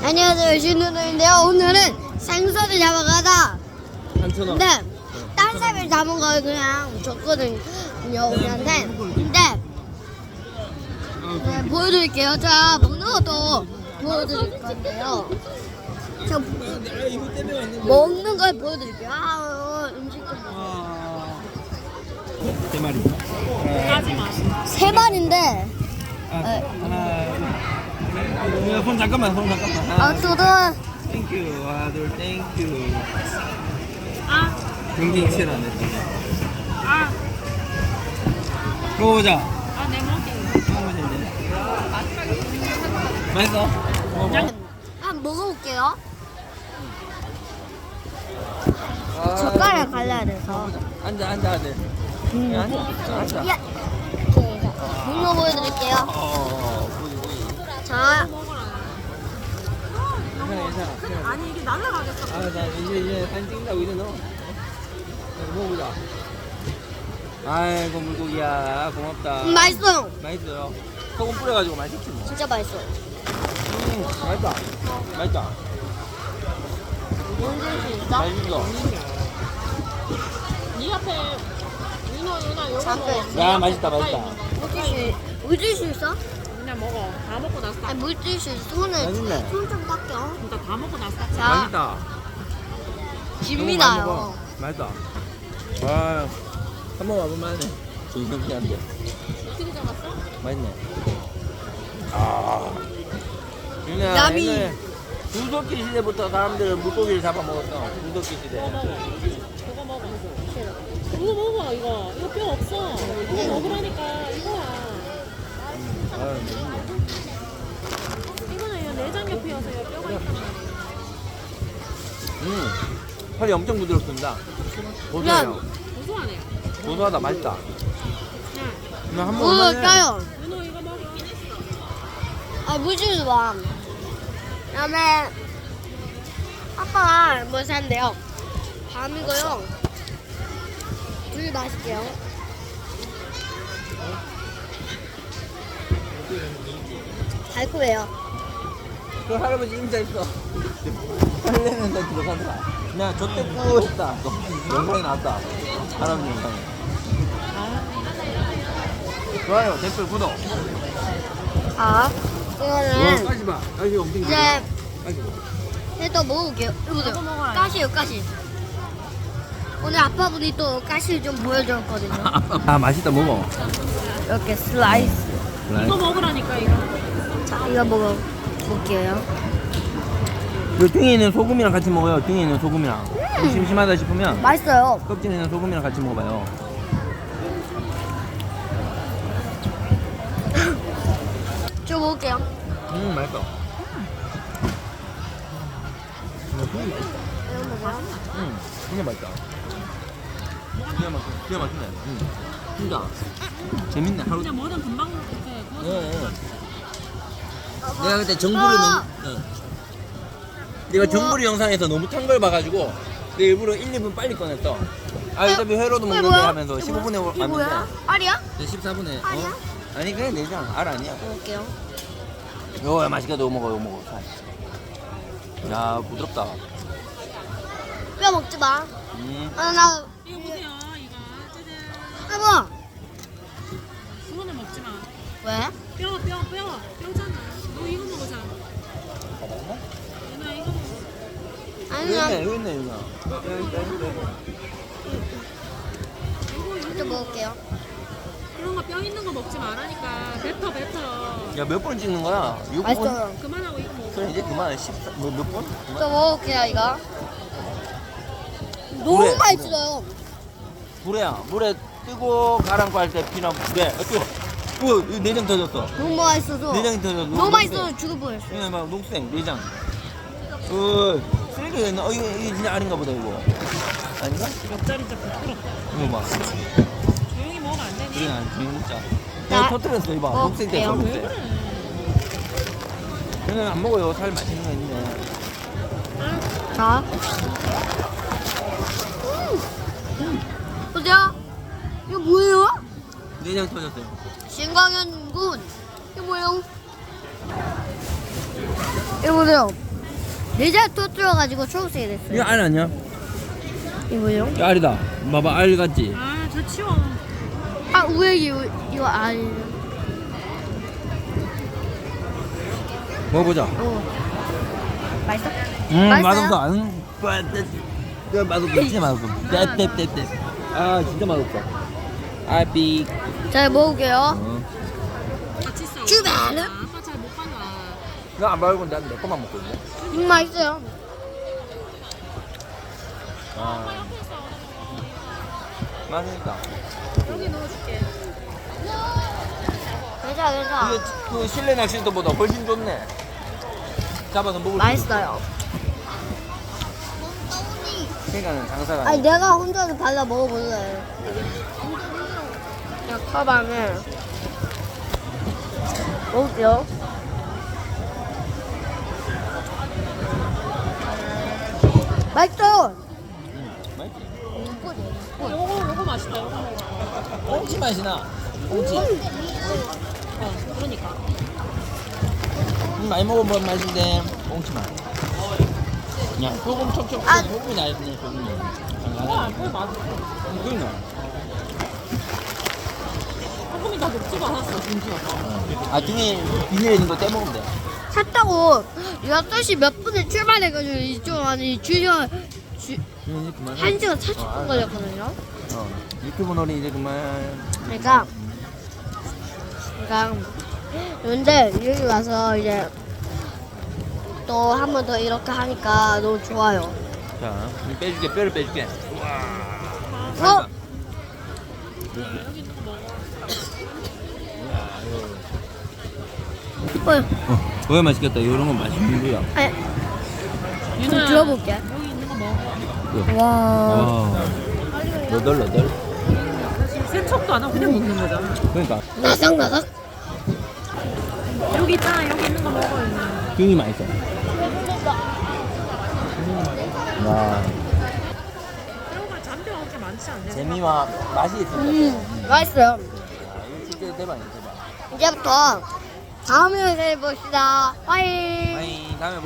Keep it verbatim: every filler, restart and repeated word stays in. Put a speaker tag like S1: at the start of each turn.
S1: 안녕하세요, 신누누인데요. 오늘은 생선을 잡아가다.
S2: 한천 원.
S1: 근데 딴 사람이 잡은 걸 그냥 줬거든요, 우리한테. 근데 네, 보여드릴게요. 자, 먹는 것도 보여드릴 건데요. 저 먹는 걸 보여드릴게요. 아, 음식도
S2: 세 마리.
S1: 세 마리인데.
S2: 아, 하나. 손 잠깐만, 손 잠깐만.
S1: 아, 저도
S2: 땡큐, 아들 땡큐. 아. 경기 치라네. 아. 먹어보자.
S3: 아, 내 먹게.
S2: 먹어보자 이제. 맛있어? 먹어봐.
S1: 한번 먹어볼게요.
S2: 아,
S1: 젓가락 갈라야 돼서.
S2: 앉아, 앉아, 아들.
S1: 음.
S2: 앉아, 앉아.
S1: 야, 문어 보여드릴게요.
S2: 어, 보이, 보이.
S1: 자,
S2: 괜찮아, 괜찮아.
S3: 아니, 이게 날라가겠어.
S2: 아, 나 이제 이제 사진 찍는다고 이제 넣어. 자, 먹어보자. 아이고 물고기야, 고맙다.
S1: 음, 맛있어요.
S2: 맛있어요. 소금 뿌려가지고 맛있지 뭐.
S1: 진짜 맛있어요.
S2: 음, 맛있다. 맛있다.
S1: 언제 수 있어?
S2: 맛있어.
S3: 네 앞에 윤호, 윤호, 요거
S1: 잠깐.
S3: 먹어.
S2: 야, 맛있다, 맛있다.
S1: 물질 수, 물질 수 있어?
S3: 그냥 먹어. 다 먹고 나서 딱.
S1: 아니, 물질 수 있어. 손을,
S2: 맛있네.
S1: 손 좀 닦여.
S3: 그러니까 다 먹고 나서 딱.
S1: 자,
S2: 맛있다.
S1: 집니다요.
S2: 너무 많이 먹어. 맛있다. 와, 한 번 와보면 하네. 정신없게.
S3: 어떻게 잡았어?
S2: 맛있네. 아. 유나,
S1: 야미.
S2: 옛날에 구석기 시대부터 사람들은 물고기를 잡아 먹었어. 구석기 시대.
S3: 그거 먹어. 그거 먹어. 그거 먹어, 이거. 이거 뼈 없어. 이거 먹으라니까. 이거야.
S2: 아, 맛있네.
S3: 이거는 이 내장 옆이어서 이 뼈가 있단 말이야.
S2: 음, 살이 엄청 부드럽습니다. 고소해요.
S3: 고소하네.
S2: 고소하다, 맛있다.
S3: 야,
S2: 그냥 한
S1: 뭐,
S2: 번만 해.
S1: 까요?
S3: 윤호 이거 먹어.
S1: 아, 물질 봐. 그 다음에, 아빠가 뭐 샀는데요? 밤이고요. 둘 마실게요. 달콤해요.
S2: 그 할아버지 임자 있어. 팔레는 데 들어가더라. 그냥 저때꾸 했다. 또 영상이 나왔다. 할아버지 영상이. 좋아요, 댓글, 구독.
S1: 자, 이거는
S2: 까지 마. 까지 엄청
S1: 이제
S2: 까지 마.
S1: 해도 먹어볼게요. 이거 보세요. 가시요, 가시. 오늘 아빠분이 또 가시를 좀 보여줬거든요.
S2: 아, 맛있다, 먹어.
S1: 이렇게 슬라이스.
S3: 이거 먹으라니까, 이거.
S1: 자, 이거 먹어볼게요.
S2: 그 등에 있는 소금이랑 같이 먹어요. 등에 있는 소금이랑. 좀 심심하다 싶으면
S1: 맛있어요.
S2: 껍질에 있는 소금이랑 같이 먹어봐요.
S1: 저 먹을게요.
S2: 음, 맛있어. 음, 되게 맛있다.
S1: 이거 먹어요.
S2: 응, 진짜 맛있다. 진짜 맛있어. 진짜 맛있네. 응. 진짜. 재밌네. 하루.
S3: 그냥 뭐든 금방 이렇게 구워서.
S2: 네. 내가 그때 정부를
S1: 어.
S2: 너무. 응. 내가 정부리 영상에서 너무 탄 걸 봐가지고 내 일부러 일, 이 분 빨리 꺼냈어. 아, 어차피 회로도
S1: 이게
S2: 먹는데
S1: 뭐야?
S2: 하면서
S1: 이게
S2: 십오 분에
S1: 뭐야? 이게 뭐야?
S2: 왔는데
S1: 알이야?
S2: 내 십사 분에.
S1: 아니야?
S2: 어? 아니, 그냥 내장. 알 아니야.
S1: 먹을게요.
S2: 요, 맛있게 너 먹어, 요 먹어. 살. 야, 부드럽다.
S1: 뼈 먹지 마.
S2: 음.
S1: 아, 나,
S3: 이거 보세요, 이거. 짜잔.
S1: 해봐.
S3: 그거는 먹지 마.
S1: 왜?
S3: 뼈, 뼈, 뼈. 뼈잖아. 너 이거 먹으자. 윤아, 이거 먹어.
S1: 아니,
S2: 여기
S1: 나
S2: 있네, 여기 있네, 여기.
S1: 이거 먹을게요.
S3: 그런 거 뼈 있는 거 먹지 말라니까. 뱉어, 뱉어.
S2: 야, 몇 번 찍는 거야? 육 분?
S1: 맛있어요.
S3: 그만하고 이거 먹어.
S2: 그래, 이제 그만해. 십사, 뭐, 몇 번? 그만.
S1: 저 먹을게요, 이거. 너무
S2: 그래.
S1: 맛있어요.
S2: 불에야. 물에 뜨고 가랑고 할 때 피나 불에. 아, 뜨거. 어, 이거 내장 터졌어.
S1: 너무 맛있어서.
S2: 내장이 터졌어.
S1: 너무 맛있어서 죽을 뻔했어요.
S2: 이거 봐, 녹색, 내장. 어, 쓰레기가 있나? 어, 이거, 이게 진짜 알인가 보다, 이거. 아닌가?
S3: 옆자리 진짜 부끄럽다.
S2: 이거 봐.
S3: 조용히 먹으면 안 되니?
S2: 그래, 난 조용 먹자.
S1: 나-
S2: 내가 터뜨렸어, 이봐.
S1: 어,
S2: 녹색 됐어,
S1: 그래요?
S3: 왜
S2: 녹색.
S3: 그래?
S2: 얘는 안 먹어요. 살 맛있는 거 있네.
S1: 자. 음. 보세요. 이거 뭐예요?
S2: 내장 터졌어요.
S1: 신광현 군. 이거 뭐예요? 이거 보세요. 내장 터뜨려가지고 초록색이 됐어요.
S2: 이거 알 아니야?
S1: 이거요?
S2: 이거 알이다. 봐봐 알 같지?
S3: 아, 저 치워.
S1: 아 우에 이거 이거 아니.
S2: 먹어보자.
S1: 어. 맛있어?
S2: 음
S1: 맛있어요?
S2: 맛없어. 음, 그 맛없어. 진짜 맛없어. 떼떼떼떼. 아 진짜 맛없어. 아삐.
S1: 잘 먹을게요.
S2: 어.
S3: 같이 싸워.
S1: 주변.
S3: 아빠 잘 못 봐놔.
S2: 나안 말고 난내 것만 먹고 있네.
S1: 음 맛있어요.
S2: 아. 맛있다.
S3: 여기 넣어줄게.
S1: 괜찮아 괜찮아.
S2: 이게 그 실내 낚시터보다 훨씬 좋네. 잡아서 먹을 수
S1: 맛있어요.
S2: 그러니까 장사가
S1: 아니 내가 혼자서 발라 먹어볼래. 약화방에 먹을게요. 맛있어.
S2: 맛있지?
S3: 요거, 요거 맛있다. 요거 먹어.
S2: 꽁치 맛이 나. 꽁치.
S3: 어, 그러니까.
S2: 음, 많이 먹어본 맛인데 꽁치 맛. 그냥 소금 촉촉
S1: 아.
S2: 소금이 나 있네 소금이.
S3: 와, 그거 맛있어.
S2: 음, 그러니까.
S3: 소금이 다 녹지도 않았어, 진짜.
S2: 아 등에 비닐에 있는 거 떼먹으면 돼.
S1: 샀다고 여덟 시 몇 분에 출발해가지고 이쪽 안에 주저 주,
S2: 음, 이제 그만.
S1: 한 시간 사십
S2: 어,
S1: 분
S2: 알았어.
S1: 걸렸거든요.
S2: 어, 유튜브 놀이 이제 그만.
S1: 그러니까 그러니까 근데 여기 와서 이제 또 한 번 더 이렇게 하니까 너무 좋아요.
S2: 자, 이제 빼줄게, 뼈를 빼줄게.
S1: 어? 어,
S2: 어, 그거 맛있겠다. 이런 건 맛있는 거야.
S1: 아니, 좀 들어볼게.
S3: 여기 있는 거 먹어.
S1: 와,
S2: 와, 너덜 너덜.
S3: 세척도 안 하고 그냥 먹는 거잖아.
S2: 그러니까
S1: 나삭나삭.
S3: 여기 있잖아, 여기 있는 거 먹어. 있는.
S2: 등이 맛있어. 와,
S3: 새우가 잔뼈가 그렇게 많지 않네.
S2: 재미와 맛이 있을 것 같아.
S1: 음, 맛있어요.
S2: 아, 이거 진짜 대박이야, 대박.
S1: 이제부터 다음 영상에 봅시다. 빠이.
S2: 아이, 다음에 보